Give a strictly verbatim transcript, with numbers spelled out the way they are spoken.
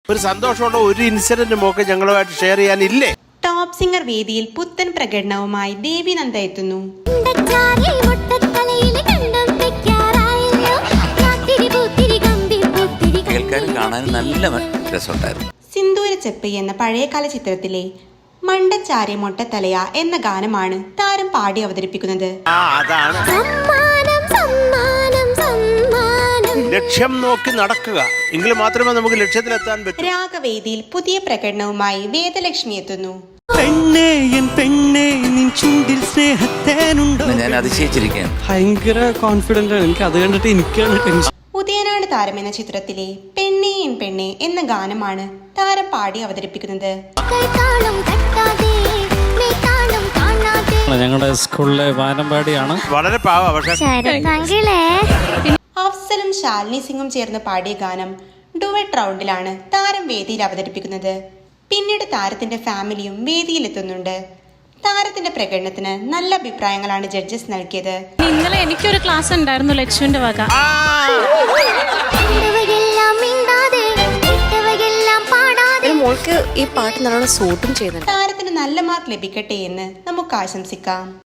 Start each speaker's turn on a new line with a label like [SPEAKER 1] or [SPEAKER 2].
[SPEAKER 1] ഒരു സന്തോഷമുള്ള ഒരു ഇൻസിഡന്റ് മോക്ക് ഞങ്ങളുമായിട്ട് ഷെയർ ചെയ്യാനില്ലേ?
[SPEAKER 2] ടോപ്പ് സിംഗർ വേദിയിൽ പുത്തൻ പ്രകടനവുമായി ദേവി നന്ദ എത്തുന്നു.
[SPEAKER 3] കേൾക്കാനും കാണാനും നല്ല രസമുണ്ടായിരുന്നു.
[SPEAKER 2] സിന്ദൂര ചെപ്പ് എന്ന പഴയകാല ചിത്രത്തിലെ മണ്ടച്ചാരി മൊട്ടത്തലയ എന്ന ഗാനമാണ് താരം പാടി അവതരിപ്പിക്കുന്നത്.
[SPEAKER 1] ലക്ഷ്യം നോക്കി നടക്കുക എങ്കിൽ മാത്രമേ നമുക്ക് ലക്ഷ്യത്തിലെത്താൻ പറ്റൂ.
[SPEAKER 2] രാഗവേദിയിൽ പുതിയ പ്രകടനവുമായി വേദലക്ഷ്മി എത്തുന്നു.
[SPEAKER 3] ഞാൻ അതിശയിച്ചിരിക്കുകയാണ്.
[SPEAKER 4] ഭയങ്കര കോൺഫിഡന്റ് ആണ് എനിക്ക്, അത് കണ്ടിട്ട് എനിക്കാണ് ടെൻഷൻ.
[SPEAKER 2] ഉദയനാട് താരം എന്ന ചിത്രത്തിലെ പെണ്ണേ എൻ പെണ്ണേ എന്ന ഗാനമാണ് താരം പാടി അവതരിപ്പിക്കുന്നത്.
[SPEAKER 4] ഞങ്ങളുടെ സ്കൂളിലെ വാനമ്പാടിയാണ്.
[SPEAKER 1] വളരെ പാവ. പക്ഷേ
[SPEAKER 2] അഫ്സലും ശാലിനി സിംഗും ചേർന്ന് പാടിയ ഗാനം ഡുവറ്റ് റൗണ്ടിലാണ് താരം വേദിയിൽ അവതരിപ്പിക്കുന്നത്. പിന്നീട് താരത്തിന്റെ ഫാമിലിയും വേദിയിലെത്തുന്നുണ്ട്. താരത്തിന്റെ പ്രകടനത്തിന് നല്ല അഭിപ്രായങ്ങളാണ് ജഡ്ജസ് നൽകിയത്.
[SPEAKER 5] ഇന്നലെ എനിക്കൊരു ക്ലാസ് ഉണ്ടായിരുന്നു ലക്ഷ്മിന്റെ വക.
[SPEAKER 6] മോൾക്ക് ഈ പാട്ട് നല്ലോണം സൂട്ടും ചെയ്യുന്നുണ്ട്.
[SPEAKER 2] താരത്തിന് നല്ല മാർക്ക് ലഭിക്കട്ടെ എന്ന് നമുക്ക് ആശംസിക്കാം.